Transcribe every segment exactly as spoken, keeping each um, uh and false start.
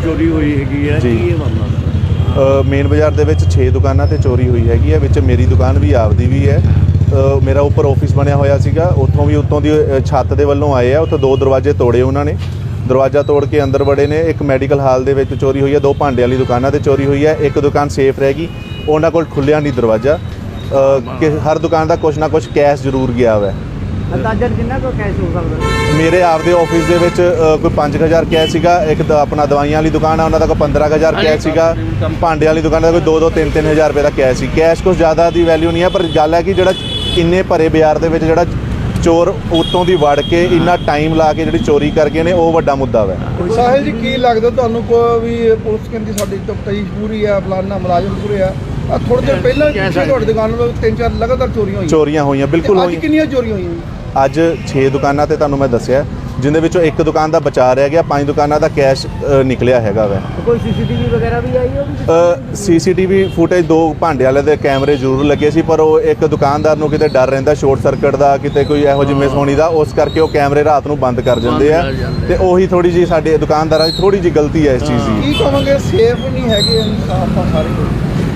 ਚੋਰੀ ਹੋਈ ਹੈਗੀ ਹੈ, ਕੀ ਇਹ ਮਾਮਲਾ? ਮੇਨ ਬਾਜ਼ਾਰ ਦੇ ਵਿੱਚ ਛੇ ਦੁਕਾਨਾਂ ਤੇ ਚੋਰੀ ਹੋਈ ਹੈਗੀ ਹੈ, ਵਿੱਚ ਮੇਰੀ ਦੁਕਾਨ ਵੀ ਆਪਦੀ ਵੀ ਹੈ। ਮੇਰਾ ਉੱਪਰ ਆਫਿਸ ਬਣਿਆ ਹੋਇਆ ਸੀਗਾ, ਉੱਥੋਂ ਵੀ ਉੱਤੋਂ ਦੀ ਛੱਤ ਦੇ ਵੱਲੋਂ ਆਏ ਆ, ਉੱਥੇ ਦੋ ਦਰਵਾਜ਼ੇ ਤੋੜੇ ਉਹਨਾਂ ਨੇ। ਦਰਵਾਜ਼ਾ ਤੋੜ ਕੇ ਅੰਦਰ ਵੜੇ ਨੇ। ਇੱਕ ਮੈਡੀਕਲ ਹਾਲ ਦੇ ਵਿੱਚ ਚੋਰੀ ਹੋਈ ਹੈ, ਦੋ ਭਾਂਡੇ ਵਾਲੀ ਦੁਕਾਨਾਂ ਤੇ ਚੋਰੀ ਹੋਈ ਹੈ। ਇੱਕ ਦੁਕਾਨ ਸੇਫ ਰਹਿ ਗਈ, ਉਹਨਾਂ ਕੋਲ ਖੁੱਲਿਆ ਨਹੀਂ ਦਰਵਾਜ਼ਾ। ਕਿ ਹਰ ਦੁਕਾਨ ਦਾ ਕੁਛ ਨਾ ਕੁਛ ਕੈਸ਼ ਜ਼ਰੂਰ ਗਿਆ ਵਾ। ਅੰਦਾਜ਼ਨ ਕਿੰਨਾ ਕੁ ਕੈਸ਼ ਹੋ ਸਕਦਾ? ਮੇਰੇ ਆਪਦੇ ਆਫਿਸ ਦੇ ਵਿੱਚ ਕੋਈ ਪੰਜ ਹਜ਼ਾਰ ਕੈਸ਼ ਸੀਗਾ। ਇੱਕ ਤਾਂ ਆਪਣਾ ਦਵਾਈਆਂ ਵਾਲੀ ਦੁਕਾਨ ਆ, ਉਹਨਾਂ ਦਾ ਕੋਈ ਪੰਦਰਾਂ ਹਜ਼ਾਰ ਕੈਸ਼ ਸੀਗਾ। ਭਾਂਡੇ ਵਾਲੀ ਦੁਕਾਨ ਦਾ ਕੋਈ ਦੋ ਦੋ ਤਿੰਨ ਤਿੰਨ ਹਜ਼ਾਰ ਰੁਪਏ ਦਾ ਕੈਸ਼ ਸੀ। ਕੈਸ਼ ਕੁਛ ਜ਼ਿਆਦਾ ਦੀ ਵੈਲਿਊ ਨਹੀਂ ਹੈ, ਪਰ ਗੱਲ ਹੈ ਕਿ ਜਿਹੜਾ ਇੰਨੇ ਭਰੇ ਬਾਜ਼ਾਰ ਦੇ ਵਿੱਚ ਜਿਹੜਾ ਚੋਰ ਉੱਤੋਂ ਦੀ ਵੜ ਕੇ ਇੰਨਾ ਟਾਈਮ ਲਾ ਕੇ ਜਿਹੜੀ ਚੋਰੀ ਕਰ ਗਏ ਨੇ, ਉਹ ਵੱਡਾ ਮੁੱਦਾ ਵਾ। ਸਾਹਿਲ ਜੀ, ਕੀ ਲੱਗਦਾ ਤੁਹਾਨੂੰ ਕੋਈ ਵੀ ਪੁਲਿਸ ਕਹਿੰਦੀ ਸਾਡੀ ਤਫਤੀਸ਼ ਪੂਰੀ ਆ, ਫਲਾਨਾ ਮੁਲਾਜ਼ਮ ਪੂਰੇ ਆ? ਆ ਥੋੜੇ ਦਿਨ ਪਹਿਲਾਂ ਤੁਹਾਡੀ ਦੁਕਾਨ ਤੋਂ ਤਿੰਨ ਚਾਰ ਲਗਾਤਾਰ ਚੋਰੀਆਂ ਹੋਈਆਂ ਚੋਰੀਆਂ ਹੋਈਆਂ ਬਿਲਕੁਲ ਹੋਈਆਂ। ਅੱਜ ਕਿੰਨੀਆਂ ਚੋਰੀਆਂ ਹੋਈਆਂ? ਅੱਜ ਛੇ ਦੁਕਾਨਾਂ ਤੇ ਤੁਹਾਨੂੰ ਮੈਂ ਦੱਸਿਆ, ਜਿੰਦੇ ਵਿੱਚੋਂ ਇੱਕ ਦੁਕਾਨ ਦਾ ਬਚਾ ਰਹਿ ਗਿਆ, ਪੰਜ ਦੁਕਾਨਾਂ ਦਾ ਕੈਸ਼ ਨਿਕਲਿਆ ਹੈਗਾ ਵਾ। ਕੋਈ ਸੀਸੀਟੀਵੀ ਵਗੈਰਾ ਵੀ ਆਈ ਹੋਵੇ? ਸੀਸੀਟੀਵੀ ਫੁਟੇਜ ਦੋ ਭਾਂਡੇ ਵਾਲੇ ਦੇ ਕੈਮਰੇ ਜ਼ਰੂਰ ਲੱਗੇ ਸੀ, ਪਰ ਉਹ ਇੱਕ ਦੁਕਾਨਦਾਰ ਨੂੰ ਕਿਤੇ ਡਰ ਰਹਿੰਦਾ ਸ਼ਾਰਟ ਸਰਕਟ ਦਾ, ਕਿਤੇ ਕੋਈ ਇਹੋ ਜਿਹੀ ਮਿਸ ਹੋਣੀ ਦਾ, ਉਸ ਕਰਕੇ ਉਹ ਕੈਮਰੇ ਰਾਤ ਨੂੰ ਬੰਦ ਕਰ ਦਿੰਦੇ ਆ। ਤੇ ਉਹੀ ਥੋੜੀ ਜਿਹੀ ਸਾਡੇ ਦੁਕਾਨਦਾਰਾਂ ਦੀ ਥੋੜੀ ਜਿਹੀ ਗਲਤੀ ਹੈ ਇਸ ਚੀਜ਼ ਦੀ। ਕੀ ਕਹਾਂਗੇ, ਸੇਫ ਨਹੀਂ ਹੈਗੇ ਇਨਸਾਫ ਆ ਸਾਰੇ?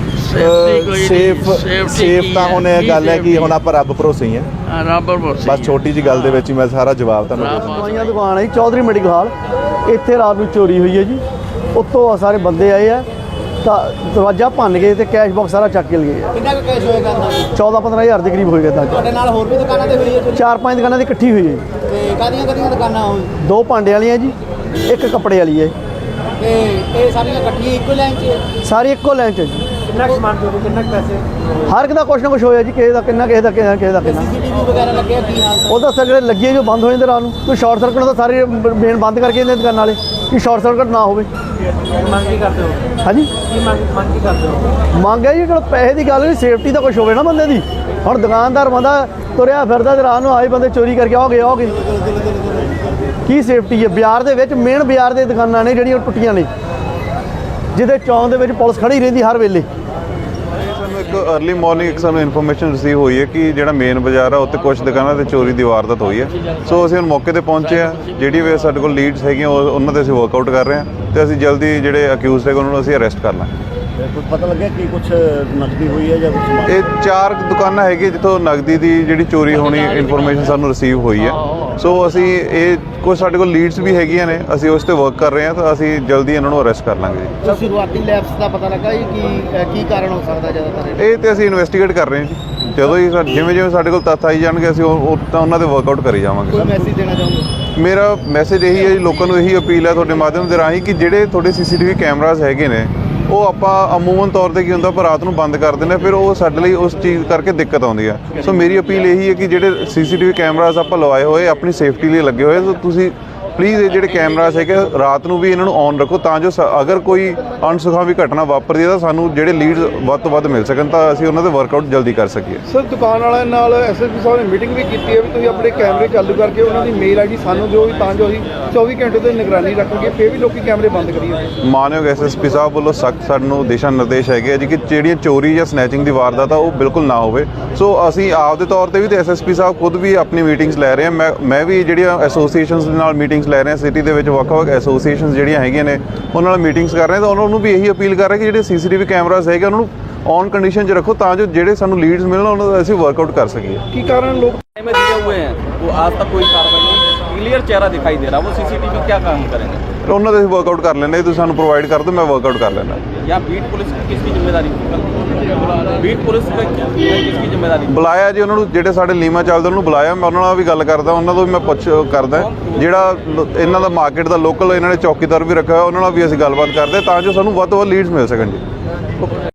ਸੇਫ ਸੇਫ ਤਾਂ ਹੁਣ ਇਹ ਗੱਲ ਹੈ ਕਿ ਹੁਣ ਆਪਾਂ ਰੱਬ ਭਰੋਸੇ ਹੀ ਆ। ਰੱਬ ਭਰੋਸੇ ਬਸ ਛੋਟੀ ਜੀ ਗੱਲ ਦੇ ਵਿੱਚ ਹੀ ਮੈਂ ਸਾਰਾ ਜਵਾਬ ਤੁਹਾਨੂੰ ਦੇ ਦਿੱਤਾ। ਦਵਾਈਆਂ ਦੁਕਾਨ ਹੈ ਜੀ, ਚੌਧਰੀ ਮੈਡੀਕਲ ਹਾਲ। ਇੱਥੇ ਰਾਤ ਨੂੰ ਚੋਰੀ ਹੋਈ ਹੈ ਜੀ। ਉੱਤੋਂ ਸਾਰੇ ਬੰਦੇ ਆਏ ਆ ਤਾਂ ਦਰਵਾਜ਼ਾ ਭੰਨ ਗਏ ਤੇ ਕੈਸ਼ ਬਾਕਸ ਸਾਰਾ ਚੱਕ ਕੇ ਲੈ ਗਏ। ਕਿੰਨਾ ਕੁ ਕੈਸ਼ ਹੋਏਗਾ? ਚੌਦਾਂ ਪੰਦਰਾਂ ਹਜ਼ਾਰ ਦੇ ਕਰੀਬ ਹੋਏਗਾ। ਤਾਂ ਤੁਹਾਡੇ ਨਾਲ ਹੋਰ ਵੀ ਦੁਕਾਨਾਂ ਤੇ ਹੋਈ ਹੈ? ਚਾਰ ਪੰਜ ਦੁਕਾਨਾਂ ਦੀ ਇਕੱਠੀ ਹੋਈ ਹੈ। ਤੇ ਕਾਹਦੀਆਂ ਕਾਹਦੀਆਂ ਦੁਕਾਨਾਂ ਹੋਈ? ਦੋ ਭਾਂਡੇ ਵਾਲੀਆਂ ਜੀ, ਇੱਕ ਕੱਪੜੇ ਵਾਲੀ ਹੈ। ਤੇ ਇਹ ਸਾਰੀਆਂ ਇਕੱਠੀਆਂ ਇੱਕੋ ਲਾਈਨ 'ਚ? ਸਾਰੀ ਇੱਕੋ ਲਾਈਨ 'ਚ ਜੀ। ਕਿੰਨਾ ਕੁ ਸਮਾਨ ਚੋਰੀ, ਕਿੰਨਾ ਕੁ ਪੈਸੇ? ਹਰ ਇੱਕ ਦਾ ਕੁਛ ਨਾ ਕੁਛ ਹੋਇਆ ਜੀ, ਕਿਸੇ ਦਾ ਕਿੰਨਾ, ਕਿਸੇ ਦਾ ਕਿੰਨਾ, ਕਿਸੇ ਦਾ ਕਿੰਨਾ। ਸੀਸੀਟੀਵੀ ਵਗੈਰਾ ਲੱਗਿਆ ਕੀ ਹਾਲ? ਉਹਦਾ ਸਰ ਜਿਹੜੇ ਲੱਗੇ ਜੋ ਬੰਦ ਹੋ ਜਾਂਦੇ ਰਾਤ ਨੂੰ, ਕੋਈ ਸ਼ਾਰਟ ਸਰਕਟ ਦਾ ਸਾਰੇ ਮੇਨ ਬੰਦ ਕਰਕੇ ਇਹਨੇ ਦੁਕਾਨ ਵਾਲੇ ਕਿ ਸ਼ਾਰਟ ਸਰਕਟ ਨਾ ਹੋਵੇ। ਮੰਗ ਕੀ ਕਰਦੇ ਹੋ? ਹਾਂਜੀ, ਕੀ ਮੰਗ ਮੰਗ ਕੀ ਕਰਦੇ ਹੋ? ਮੰਗ ਹੈ ਜੀ ਚਲੋ ਪੈਸੇ ਦੀ ਗੱਲ ਨਹੀਂ, ਸੇਫਟੀ ਦਾ ਕੁਛ ਹੋਵੇ ਨਾ ਬੰਦੇ ਦੀ। ਹੁਣ ਦੁਕਾਨਦਾਰ ਬੰਦਾ ਤੁਰਿਆ ਫਿਰਦਾ ਤੇ ਰਾਤ ਨੂੰ ਆਏ ਬੰਦੇ ਚੋਰੀ ਕਰਕੇ ਆਓਗੇ ਆਓਗੇ ਕੀ ਸੇਫਟੀ ਹੈ? ਬਾਜ਼ਾਰ ਦੇ ਵਿੱਚ ਮੇਨ ਬਾਜ਼ਾਰ ਦੇ ਦੁਕਾਨਾਂ ਨੇ ਜਿਹੜੀਆਂ ਟੁੱਟੀਆਂ ਨੇ, ਜਿਹਦੇ ਚੌਂਕ ਦੇ ਵਿੱਚ ਪੁਲਿਸ ਖੜੀ ਰਹਿੰਦੀ ਹਰ ਵੇਲੇ। ਸਾਨੂੰ ਇੱਕ ਅਰਲੀ ਮਾਰਨਿੰਗ ਇੱਕ ਸਾਨੂੰ ਇਨਫੋਰਮੇਸ਼ਨ ਰਿਸੀਵ ਹੋਈ ਹੈ ਕਿ ਜਿਹੜਾ ਮੇਨ ਬਾਜ਼ਾਰ ਆ ਉੱਥੇ ਕੁਝ ਦੁਕਾਨਾਂ ਤੇ ਚੋਰੀ ਦੀ ਵਾਰਦਾਤ ਹੋਈ ਹੈ। ਸੋ ਅਸੀਂ ਹੁਣ ਮੌਕੇ ਤੇ ਪਹੁੰਚੇ ਆ। ਜਿਹੜੀ ਵੀ ਸਾਡੇ ਕੋਲ ਲੀਡਸ ਹੈਗੀਆਂ ਉਹਨਾਂ ਤੇ ਅਸੀਂ ਵਰਕਆਊਟ ਕਰ ਰਹੇ ਹਾਂ ਤੇ ਅਸੀਂ ਜਲਦੀ ਜਿਹੜੇ ਅਕਿਊਜ਼ਡ ਹੈਗੇ ਉਹਨਾਂ ਨੂੰ ਅਸੀਂ ਅਰੈਸਟ ਕਰ ਲਾਂਗੇ। ਕੁਝ ਪਤਾ ਲੱਗਿਆ ਕਿ ਕੁਝ ਨਕਦੀ ਹੋਈ ਹੈ ਜਾਂ ਕੁਝ? ਇਹ ਚਾਰ ਦੁਕਾਨਾਂ ਹੈਗੀਆਂ ਜਿੱਥੋਂ ਨਗਦੀ ਦੀ ਜਿਹੜੀ ਚੋਰੀ ਹੋਣੀ ਇਨਫੋਰਮੇਸ਼ਨ ਸਾਨੂੰ ਰਿਸੀਵ ਹੋਈ ਹੈ। ਸੋ ਅਸੀਂ ਇਹ ਕੁਝ ਸਾਡੇ ਕੋਲ ਲੀਡਸ ਵੀ ਹੈਗੀਆਂ ਨੇ, ਅਸੀਂ ਉਸ ਤੇ ਵਰਕ ਕਰ ਰਹੇ ਹਾਂ ਤਾਂ ਅਸੀਂ ਜਲਦੀ ਇਹਨਾਂ ਨੂੰ ਅਰੈਸਟ ਕਰ ਲਾਂਗੇ ਜੀ। ਸ਼ੁਰੂਆਤੀ ਲੈਪਸ ਦਾ ਪਤਾ ਲੱਗਾ ਜੀ ਕੀ ਕੀ ਕਾਰਨ ਹੋ ਸਕਦਾ ਜ਼ਿਆਦਾਤਰ? ਇਹ ਤੇ ਅਸੀਂ ਇਨਵੈਸਟੀਗੇਟ ਕਰ ਰਹੇ ਹਾਂ ਜੀ। ਜਦੋਂ ਹੀ ਜਿਵੇਂ ਜਿਵੇਂ ਸਾਡੇ ਕੋਲ ਤੱਥ ਆਈ ਜਾਣਗੇ ਅਸੀਂ ਉਹ ਤਾਂ ਉਹਨਾਂ ਤੇ ਵਰਕਆਊਟ ਕਰੀ ਜਾਵਾਂਗੇ। ਕੋਈ ਮੈਸੇਜ ਦੇਣਾ ਚਾਹੁੰਦੇ? ਮੇਰਾ ਮੈਸੇਜ ਇਹੀ ਹੈ ਜੀ, ਲੋਕਾਂ ਨੂੰ ਇਹੀ ਅਪੀਲ ਹੈ ਤੁਹਾਡੇ ਮਾਧਿਅਮ ਦੇ ਰਾਹੀਂ ਕਿ ਜਿਹੜੇ ਤੁਹਾਡੇ ਸੀਸੀਟੀਵੀ ਕੈਮਰਾਜ਼ ਹੈਗੇ ਨੇ ਉਹ ਆਪਾਂ ਅਮੂਮਨ ਤੌਰ ਤੇ ਕੀ ਹੁੰਦਾ ਪਰ ਰਾਤ ਨੂੰ ਬੰਦ ਕਰ ਦਿੰਦੇ, ਫਿਰ ਉਹ ਸਾਡੇ ਲਈ ਉਸ ਚੀਜ਼ ਕਰਕੇ ਦਿੱਕਤ ਆਉਂਦੀ ਹੈ। ਸੋ ਮੇਰੀ ਅਪੀਲ ਇਹੀ ਹੈ ਕਿ ਜਿਹੜੇ ਸੀਸੀਟੀਵੀ ਕੈਮਰਾਜ਼ ਆਪਾਂ ਲਵਾਏ ਹੋਏ ਆਪਣੀ ਸੇਫਟੀ ਲਈ ਲੱਗੇ ਹੋਏ, ਸੋ ਤੁਸੀਂ ਪਲੀਜ਼ ਇਹ ਜਿਹੜੇ ਕੈਮਰਾਜ਼ ਹੈਗੇ ਰਾਤ ਨੂੰ ਵੀ ਇਹਨਾਂ ਨੂੰ ਔਨ ਰੱਖੋ ਤਾਂ ਜੋ ਅਗਰ ਕੋਈ ਅਣਸੁਖਾਵੀ ਘਟਨਾ ਵਾਪਰਦੀ ਹੈ ਤਾਂ ਸਾਨੂੰ ਜਿਹੜੇ ਲੀਡਸ ਵੱਧ ਤੋਂ ਵੱਧ ਮਿਲ ਸਕਣ ਤਾਂ ਅਸੀਂ ਉਹਨਾਂ ਦੇ ਵਰਕਆਊਟ ਜਲਦੀ ਕਰ ਸਕੀਏ। ਸਰ, ਦੁਕਾਨ ਵਾਲਿਆਂ ਨਾਲ ਐਸਐਸਪੀ ਸਾਹਿਬ ਨੇ ਮੀਟਿੰਗ ਵੀ ਕੀਤੀ ਹੈ ਵੀ ਤੁਸੀਂ ਆਪਣੇ ਕੈਮਰੇ ਚਾਲੂ ਕਰਕੇ ਉਹਨਾਂ ਦੀ ਮੇਲ ਆਈਡੀ ਸਾਨੂੰ ਦਿਓ ਵੀ ਤਾਂ ਜੋ ਅਸੀਂ ਚੌਵੀ ਘੰਟੇ ਤੇ ਨਿਗਰਾਨੀ ਰੱਖਾਂਗੇ, ਫਿਰ ਵੀ ਲੋਕੀ ਕੈਮਰੇ ਬੰਦ ਕਰੀਏ। ਮਾਨਯੋਗ ਐਸਐਸਪੀ ਸਾਹਿਬ ਵੱਲੋਂ ਸਖਤ ਸਾਨੂੰ ਦਿਸ਼ਾ ਨਿਰਦੇਸ਼ ਹੈਗੇ ਜੀ ਕਿ ਜਿਹੜੀਆਂ ਚੋਰੀ ਜਾਂ ਸਨੈਚਿੰਗ ਦੀ ਵਾਰਦਾਤ ਆ ਉਹ ਬਿਲਕੁਲ ਨਾ ਹੋਵੇ। ਸੋ ਅਸੀਂ ਆਪਦੇ ਤੌਰ ਤੇ ਵੀ ਤੇ ਐਸਐਸਪੀ ਸਾਹਿਬ ਖੁਦ ਵੀ ਆਪਣੀ ਮੀਟਿੰਗਸ ਲੈ ਰਹੇ ਹਾਂ। ਮੈਂ ਮੈਂ ਵੀ ਜਿਹੜੀਆਂ ਐਸੋਸੀਏਸ਼ਨਸ ਦੇ ਨਾਲ ਮੀਟਿੰਗਸ ਲੈ ਰਹੇ ਹਾਂ, ਸਿਟੀ ਦੇ ਵਿੱਚ ਵੱਖ-ਵੱਖ ਐਸੋਸੀਏਸ਼ਨਸ ਜਿਹੜੀਆਂ ਹੈਗੀਆਂ ਨੇ ਉਹਨਾਂ ਨਾਲ ਮੀਟਿੰਗਸ ਕਰ ਰਹੇ ਤਾਂ ਉਹਨਾਂ ਨੂੰ ਵੀ ਇਹੀ ਅਪੀਲ ਕਰ ਰਹੇ ਕਿ ਜਿਹੜੇ ਸੀਸੀਟੀਵੀ ਕੈਮਰਾਜ਼ ਹੈਗੇ ਉਹਨਾਂ ਨੂੰ ਔਨ ਕੰਡੀਸ਼ਨ 'ਚ ਰੱਖੋ ਤਾਂ ਜੋ ਜਿਹੜੇ ਸਾਨੂੰ ਲੀਡਸ ਮਿਲਣ ਉਹਨਾਂ ਦਾ ਅਸੀਂ ਵਰਕਆਊਟ ਕਰ ਸਕੀਏ। ਕੀ ਕਾਰਨ ਲੋਕ में दिए हुए हैं वो आज तक कोई कार्रवाई नहीं, क्लियर चेहरा दिखाई दे रहा, वो सीसीटीवी क्या काम करेंगे? ਉਹਨਾਂ ਦਾ ਅਸੀਂ ਵਰਕਆਊਟ ਕਰ ਲੈਂਦੇ, ਤੁਸੀਂ ਸਾਨੂੰ ਪ੍ਰੋਵਾਈਡ ਕਰ ਦਿਓ, ਮੈਂ ਵਰਕਆਊਟ ਕਰ ਲੈਂਦਾ। या बीट पुलिस की किसकी जिम्मेदारी? बीट पुलिस का किसकी जिम्मेदारी? ਬੁਲਾਇਆ ਜੀ ਉਹਨਾਂ ਨੂੰ, ਜਿਹੜੇ ਸਾਡੇ ਲੀਮਾ ਚੱਲਦੇ ਉਹਨਾਂ ਨੂੰ ਬੁਲਾਇਆ, ਮੈਂ ਉਹਨਾਂ ਨਾਲ ਵੀ ਗੱਲ ਕਰਦਾ, ਉਹਨਾਂ ਤੋਂ ਵੀ ਮੈਂ ਪੁੱਛ ਕਰਦਾ ਜਿਹੜਾ ਇਹਨਾਂ ਦਾ ਮਾਰਕੀਟ ਦਾ ਲੋਕਲ ਇਹਨਾਂ ਨੇ ਚੌਕੀਦਾਰ ਵੀ ਰੱਖਿਆ ਹੋਇਆ ਉਹਨਾਂ ਨਾਲ ਵੀ ਅਸੀਂ ਗੱਲਬਾਤ ਕਰਦੇ ਤਾਂ ਜੋ ਸਾਨੂੰ ਵੱਧ ਤੋਂ ਵੱਧ ਲੀਡਸ ਮਿਲ ਸਕਣ ਜੀ।